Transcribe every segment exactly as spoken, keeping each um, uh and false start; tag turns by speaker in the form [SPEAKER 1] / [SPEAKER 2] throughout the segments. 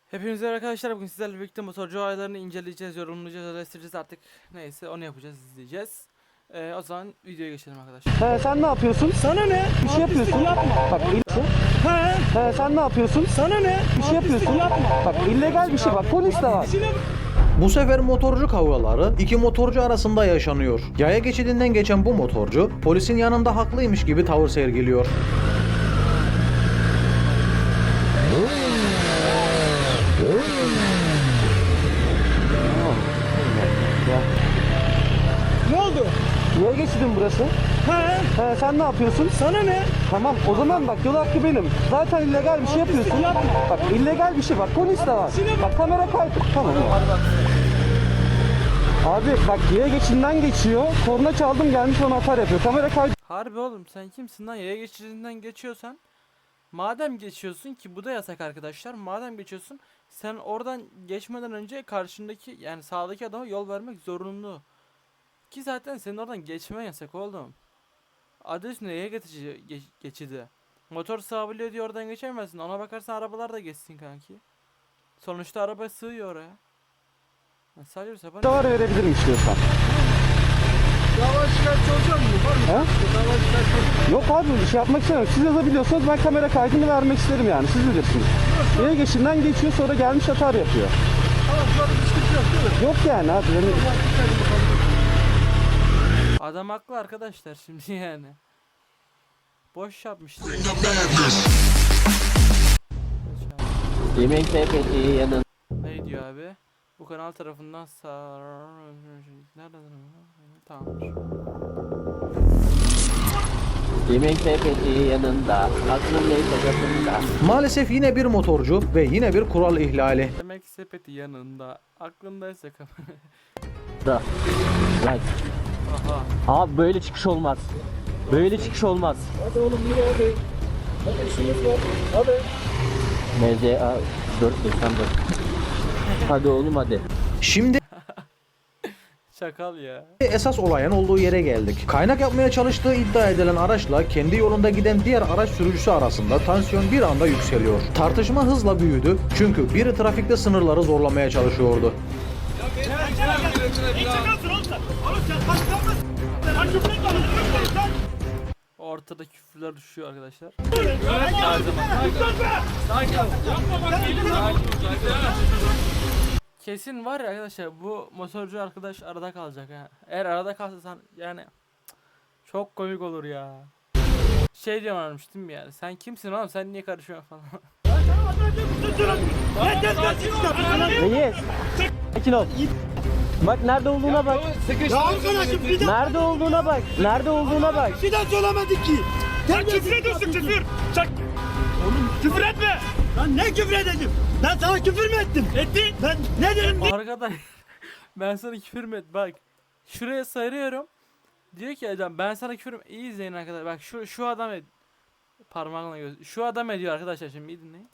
[SPEAKER 1] Hepinize merhaba arkadaşlar, bugün sizlerle birlikte motorcu olaylarını inceleyeceğiz, yorumlayacağız, eleştireceğiz, artık neyse onu yapacağız, izleyeceğiz. Ee, o zaman videoya geçelim arkadaşlar.
[SPEAKER 2] He, sen ne yapıyorsun?
[SPEAKER 3] Sana ne?
[SPEAKER 2] Bir şey yapıyorsun.
[SPEAKER 3] Yapma.
[SPEAKER 2] Bak il-
[SPEAKER 3] He.
[SPEAKER 2] He, sen ne yapıyorsun?
[SPEAKER 3] Sana ne?
[SPEAKER 2] Bir şey yapıyorsun.
[SPEAKER 3] Yapma.
[SPEAKER 2] Bak illegal bir şey, bak polis de var.
[SPEAKER 4] Bu sefer motorcu kavgaları iki motorcu arasında yaşanıyor. Yaya geçidinden geçen bu motorcu polisin yanında haklıymış gibi tavır sergiliyor.
[SPEAKER 3] Ne oldu?
[SPEAKER 2] Niye geçidin burası?
[SPEAKER 3] He.
[SPEAKER 2] He, sen ne yapıyorsun?
[SPEAKER 3] Sana ne?
[SPEAKER 2] Tamam o zaman bak yol hakkı benim. Zaten illegal bir şey yapıyorsun.
[SPEAKER 3] Yapma.
[SPEAKER 2] Bak illegal bir şey, bak polis de var. Bak kamera kaydı. Tamam. Abi bak yaya geçidinden geçiyor. Korna çaldım gelmiş ona atar yapıyor. Kamera kaydı.
[SPEAKER 1] Harbi oğlum, sen kimsin lan? Yaya geçidinden geçiyorsan, madem geçiyorsun ki bu da yasak arkadaşlar, madem geçiyorsun sen oradan geçmeden önce karşındaki, yani sağdaki adama yol vermek zorunlu. Ki zaten senin oradan geçmen yasak oğlum. Adı üstünde yaya geçici, geç, geçidi. Motor sağabiliyor diye oradan geçemezsin. Ona bakarsan arabalar da geçsin kanki. Sonuçta araba sığıyor oraya. Ya sadece bir sapan.
[SPEAKER 2] Var verebilirim istiyorsan.
[SPEAKER 3] Dava şikayetçi olacak mı? Var mı?
[SPEAKER 2] He?
[SPEAKER 3] Dava şikayetçi.
[SPEAKER 2] Yok abi bir şey yapmak istemiyorum. Siz yazabiliyorsanız ben kamera kaydını vermek isterim yani. Siz bilirsiniz. Yaya geçidinden geçiyor sonra gelmiş atar yapıyor.
[SPEAKER 3] Tamam, burada bir sıkıntı yok değil mi?
[SPEAKER 2] Yok yani abi. Yani...
[SPEAKER 1] Adam haklı arkadaşlar şimdi yani. Boş yapmıştı.
[SPEAKER 5] Yemek sepeti yanın.
[SPEAKER 1] Ne diyor abi? Bu kanal tarafından sağ... Nereden? Tamamdır.
[SPEAKER 5] Yemek sepeti yanında. Aklın neyse kapında.
[SPEAKER 4] Maalesef yine bir motorcu ve yine bir kural ihlali.
[SPEAKER 1] Demek ki sepeti yanında. Aklındaysa kamera.
[SPEAKER 5] Da. Right.
[SPEAKER 1] Aha.
[SPEAKER 5] Abi böyle çıkış olmaz. Böyle çıkış olmaz.
[SPEAKER 3] Hadi oğlum yürü hadi. Hadi işimiz var. Hadi.
[SPEAKER 5] M Z A dört doksan dört. Hadi oğlum hadi.
[SPEAKER 4] Şimdi
[SPEAKER 1] Şakal ya.
[SPEAKER 4] esas olayın olduğu yere geldik. Kaynak yapmaya çalıştığı iddia edilen araçla kendi yolunda giden diğer araç sürücüsü arasında tansiyon bir anda yükseliyor. Tartışma hızla büyüdü çünkü biri trafikte sınırları zorlamaya çalışıyordu.
[SPEAKER 1] Ortada küfürler düşüyor arkadaşlar. Kesin var ya arkadaşlar, bu motorcu arkadaş arada kalacak ha. Eğer arada kalsan yani çok komik olur ya. Şey diyorlarmış değil mi yani? Sen kimsin oğlum? Sen niye karışıyorsun falan.
[SPEAKER 5] Reis. Sakin ol. Bak nerede olduğuna bak.
[SPEAKER 3] Ya arkadaşım bir daha.
[SPEAKER 5] Nerede olduğuna bak. Nerede olduğuna bak.
[SPEAKER 3] Bir daha söylemedik ki. Sen küfür ediyorsun küfür. Sen... Oğlum küfür etme. Lan ne küfür edeceğim? Ben sana küfür mü ettim? Ettin. Ben ne dedim?
[SPEAKER 1] Arkadaş ben sana küfür mü et bak. Şuraya sarıyorum. Diyor ki adam ben sana küfür mü? İyi izleyin arkadaşlar. Bak şu şu adam et. Parmağınla göz. Şu adam ediyor arkadaşlar, şimdi iyi dinleyin.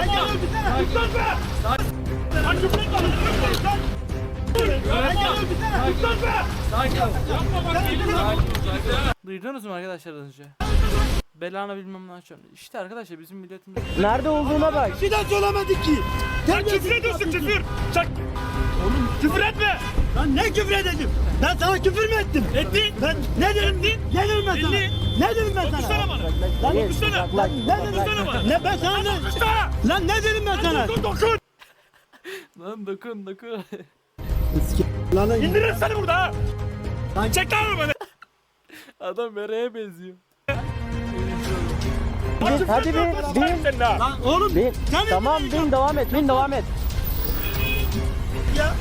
[SPEAKER 1] Duydunuz mu arkadaşlar az önce? Belanı bilmem ne açıyorum. İşte arkadaşlar bizim milletimiz.
[SPEAKER 5] Nerede olduğuna bak.
[SPEAKER 3] Bir daha söylemedik ki. Sen küfür ediyorsun küfür. Sen... Oğlum küfür etme. Lan ne küfür edeceğim? Ben sana küfür mü ettim? Ettin. Ben ne dedim? Ettin. Ne dedim ben sana? Ne dedim ben sana?
[SPEAKER 5] Dokunsana
[SPEAKER 3] bana.
[SPEAKER 5] Lan
[SPEAKER 3] dokunsana.
[SPEAKER 5] Lan
[SPEAKER 3] Ne dedim bana? Ne ben sana ne? Lan ne dedim ben sana? Dokun dokun.
[SPEAKER 1] Lan dokun dokun.
[SPEAKER 3] Lan
[SPEAKER 6] İndiririm seni burada ha! Lan çek lan arabanı!
[SPEAKER 1] Adam mereye benziyor.
[SPEAKER 5] Bin, hadi bin. Bin.
[SPEAKER 6] Senin ha!
[SPEAKER 3] lan oğlum.
[SPEAKER 5] Bin.
[SPEAKER 3] Sen
[SPEAKER 5] Tamam bin devam et. Bin devam et.
[SPEAKER 3] ya.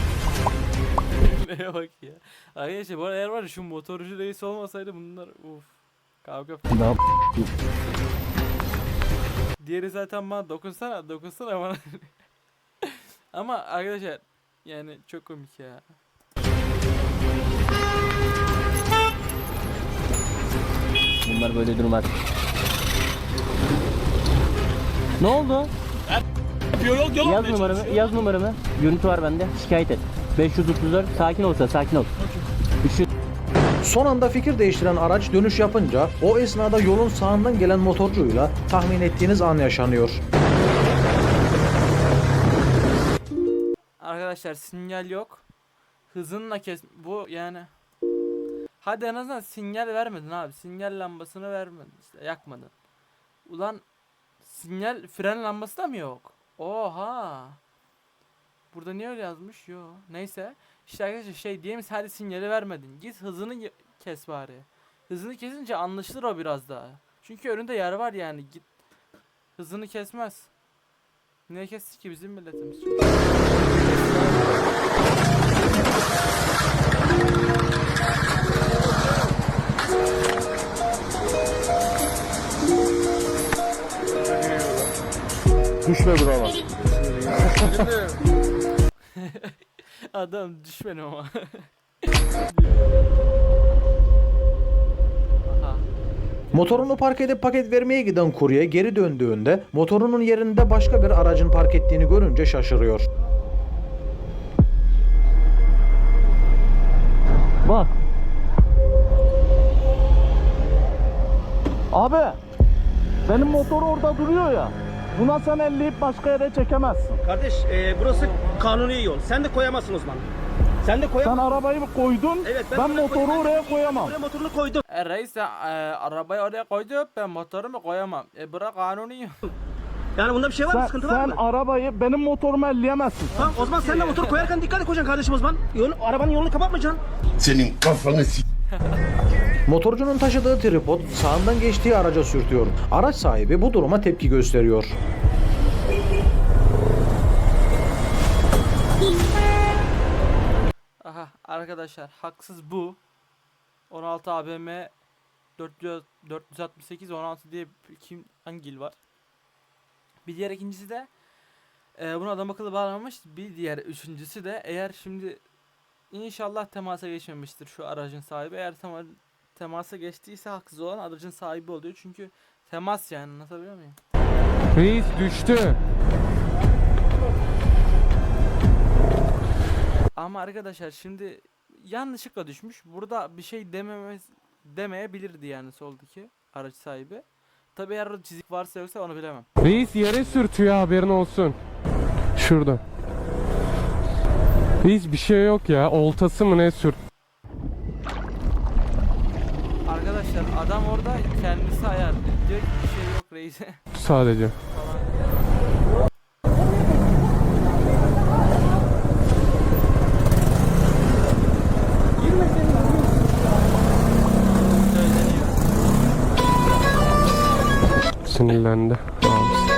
[SPEAKER 1] Neye bak ya. Arkadaşlar bu arada eğer var ya şu motorcu reis olmasaydı bunlar uf. Kavga.
[SPEAKER 5] Ne yap?
[SPEAKER 1] Diğeri zaten bana dokunsana dokunsana bana. Ama arkadaşlar yani çok komik ya.
[SPEAKER 5] Bunlar böyle durmaz. Ne oldu?
[SPEAKER 6] Yol yol yol
[SPEAKER 5] Yaz numaramı, yaz numaramı. Görüntü var bende. Şikayet et. beş yüz otuz dört. Sakin olsa, sakin ol. üç yüz
[SPEAKER 4] Son anda fikir değiştiren araç dönüş yapınca o esnada yolun sağından gelen motorcuyla tahmin ettiğiniz an yaşanıyor.
[SPEAKER 1] arkadaşlar sinyal yok. Hızınla kes bu yani. Hadi en azından sinyal vermedin abi. Sinyal lambasını vermedin işte, yakmadın. Ulan sinyal fren lambası da mı yok? Oha. Burada niye öyle yazmış? Yo. Neyse. İşte arkadaşlar şey diyelim, hadi sinyali vermedin. Git hızını y- kes bari. Hızını kesince anlaşılır o biraz daha. Çünkü önünde yer var yani. Git hızını kesmez. Niye kesti ki bizim milletimiz?
[SPEAKER 2] Düşme bravo.
[SPEAKER 1] Adam düşmedim ama. Aha.
[SPEAKER 4] Motorunu park edip paket vermeye giden kurye geri döndüğünde motorunun yerinde başka bir aracın park ettiğini görünce şaşırıyor.
[SPEAKER 3] Bak. Abi. Benim motor orada duruyor ya. Buna sen elleyip başka yere çekemezsin.
[SPEAKER 7] Kardeş e, burası kanuni yol. Sen de koyamazsın o zaman. Sen de
[SPEAKER 3] Sen
[SPEAKER 7] koyamazsın.
[SPEAKER 3] arabayı mı koydun?
[SPEAKER 7] Evet,
[SPEAKER 3] ben,
[SPEAKER 7] ben buraya
[SPEAKER 3] motoru
[SPEAKER 7] koydum.
[SPEAKER 3] oraya koyamam.
[SPEAKER 7] Buraya motorunu koydum.
[SPEAKER 1] E reis sen, e, arabayı oraya koydu, ben motorumu koyamam. E bırak kanuni.
[SPEAKER 7] Yani bunda bir şey var mı?
[SPEAKER 3] Sen,
[SPEAKER 7] Sıkıntı var
[SPEAKER 3] sen
[SPEAKER 7] mı?
[SPEAKER 3] arabayı benim motorumu elleyemezsin.
[SPEAKER 7] Tamam o zaman sen de motor koyarken dikkat et koyacaksın kardeşim o zaman. Yol, arabanın yolunu kapatmayacaksın.
[SPEAKER 8] Senin kafanı s***.
[SPEAKER 4] Motorcunun taşıdığı tripod sağından geçtiği araca sürtüyor. Araç sahibi bu duruma tepki gösteriyor.
[SPEAKER 1] Aha arkadaşlar haksız bu. on altı A B M dört yüz altmış sekiz on altı diye bir- kim hangi il var? Bir diğer ikincisi de e, bunu adam akıllı bağlamamış. Bir diğer üçüncüsü de eğer şimdi inşallah temasa geçmemiştir şu aracın sahibi. Eğer tema, temasa geçtiyse haksız olan aracın sahibi oluyor. Çünkü temas yani, anlatabiliyor muyum?
[SPEAKER 2] Reis düştü.
[SPEAKER 1] Ama arkadaşlar şimdi yanlışlıkla düşmüş. Burada bir şey dememez demeyebilirdi yani soldaki araç sahibi. Tabi eğer orada çizik varsa yoksa onu bilemem.
[SPEAKER 2] Reis yere sürtüyor, haberin olsun. Şurada. Reis bir şey yok ya. Oltası mı ne sürt?
[SPEAKER 1] Arkadaşlar adam orada kendisi ayar. Diyor ki bir şey yok reise.
[SPEAKER 2] Sadece.
[SPEAKER 1] Söyleniyor.
[SPEAKER 2] Sinirlendi. Abisi.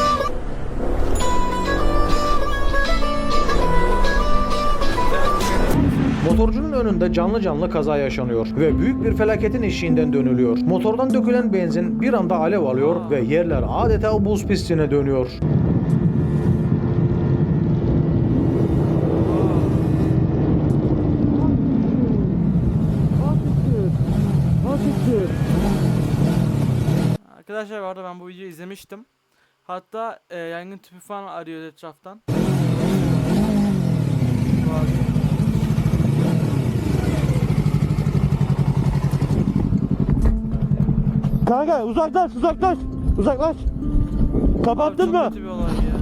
[SPEAKER 4] Motorcunun önünde canlı canlı kaza yaşanıyor ve büyük bir felaketin eşiğinden dönülüyor. Motordan dökülen benzin bir anda alev alıyor ve yerler adeta buz pistine dönüyor.
[SPEAKER 1] Arkadaşlar bu arada ben bu videoyu izlemiştim. Hatta e, yangın tüpü falan arıyor etraftan.
[SPEAKER 3] Kanka uzaklaş uzaklaş. Uzaklaş. Kapattın
[SPEAKER 1] Abi,
[SPEAKER 3] mı?
[SPEAKER 1] çok kötü bir olay ya.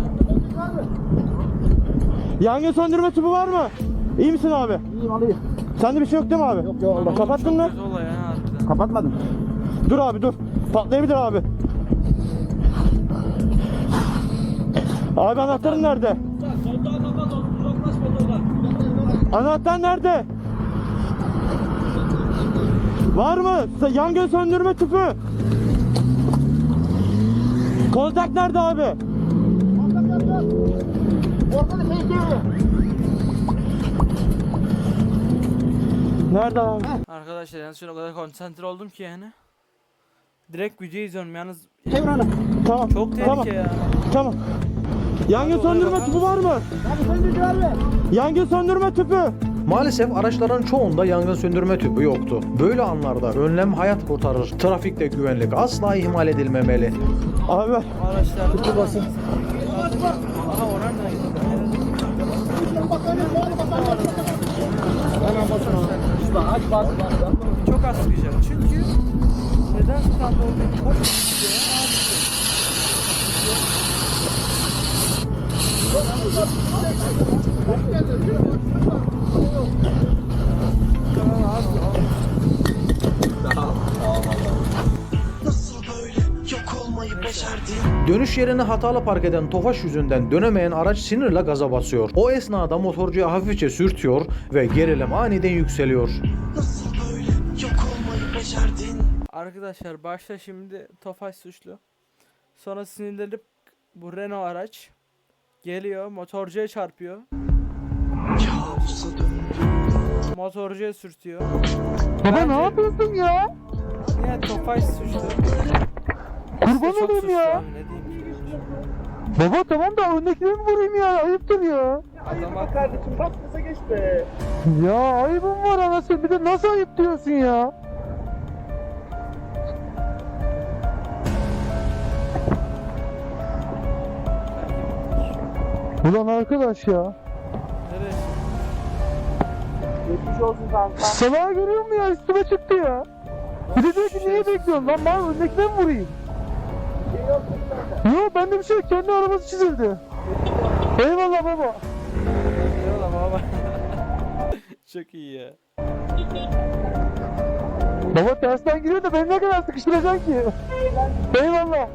[SPEAKER 3] Yangın söndürme tüpü var mı? İyi misin abi? İyiyim abi. Sende bir şey yok değil mi abi? Yok yok.
[SPEAKER 1] Oğlum,
[SPEAKER 3] Kapattın
[SPEAKER 1] çok
[SPEAKER 3] mı?
[SPEAKER 1] kötü olay ya harbiden.
[SPEAKER 3] Kapatmadım. Dur abi dur. Patlayabilir abi. Abi anahtarın nerede? Anahtar nerede? Var mı? Sa- Yangın söndürme tüpü. Kontak nerede abi? Nerede abi?
[SPEAKER 1] Arkadaşlar yalnız şuna o kadar konsantre oldum ki yani. Direkt video izliyorum yalnız.
[SPEAKER 3] Tamam.
[SPEAKER 1] Çok tehlike
[SPEAKER 3] tamam.
[SPEAKER 1] ya.
[SPEAKER 3] Tamam. Yangın söndürme tüpü var mı? Yangın söndürme tüpü.
[SPEAKER 4] Maalesef araçların çoğunda yangın söndürme tüpü yoktu. Böyle anlarda önlem hayat kurtarır. Trafikte güvenlik asla ihmal edilmemeli.
[SPEAKER 3] Abi
[SPEAKER 1] Araçlar tüpü basın. Aha oran da çok az sıkacak çünkü neden stand olduğunu çok sıkıyor
[SPEAKER 4] Dönüş yerine hatalı park eden Tofaş yüzünden dönemeyen araç sinirle gaza basıyor. O esnada motorcuya hafifçe sürtüyor ve gerilim aniden yükseliyor.
[SPEAKER 1] Arkadaşlar başta şimdi Tofaş suçlu. Sonra sinirlenip bu Renault araç geliyor motorcuya çarpıyor. Motorcuya sürtüyor.
[SPEAKER 3] Baba ne yapıyorsun ya?
[SPEAKER 1] Niye Tofaş suçlu?
[SPEAKER 3] Kurban
[SPEAKER 1] Çok
[SPEAKER 3] olayım
[SPEAKER 1] suçlu
[SPEAKER 3] ya.
[SPEAKER 1] abi, ne diyeyim.
[SPEAKER 3] Baba tamam da öndekileri mi vurayım ya? Ayıptır ya.
[SPEAKER 1] Adama
[SPEAKER 7] Kardeşim bak kısa geç be.
[SPEAKER 3] Ya ayıbım var anasını. Bir de nasıl ayıp diyorsun ya? Ulan arkadaş ya.
[SPEAKER 1] nereye?
[SPEAKER 7] Geçmiş olsun kanka.
[SPEAKER 3] Salağı görüyor musun ya? Üstüme çıktı ya. Bir de diyor ki niye bekliyorsun lan? Ben öndekine mi vurayım? Yok bende bir şey yok. Kendi arabası çizildi. Eyvallah baba.
[SPEAKER 1] Eyvallah baba. Çok iyi ya.
[SPEAKER 3] Baba tersten giriyor da beni ne kadar sıkıştıracaksın ki? Eyvallah.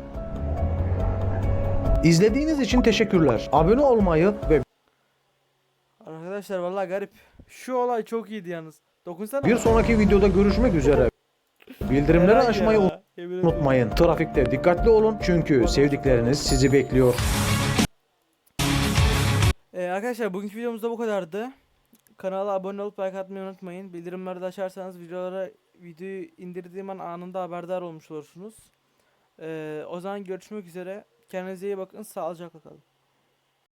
[SPEAKER 4] İzlediğiniz için teşekkürler. Abone olmayı ve
[SPEAKER 1] Arkadaşlar vallahi garip. Şu olay çok iyiydi yalnız. Dokunsana.
[SPEAKER 4] bir sonraki videoda görüşmek üzere. Bildirimleri
[SPEAKER 1] Helal
[SPEAKER 4] açmayı
[SPEAKER 1] ya, yemin ederim.
[SPEAKER 4] unutmayın. Trafikte dikkatli olun çünkü sevdikleriniz sizi bekliyor.
[SPEAKER 1] Ee, arkadaşlar bugünkü videomuz da bu kadardı. Kanala abone olup like atmayı unutmayın. Bildirimleri de açarsanız videolara videoyu indirdiğim an anında haberdar olmuş olursunuz. Ee, o zaman görüşmek üzere. Kendinize iyi bakın. Sağlıcakla kalın.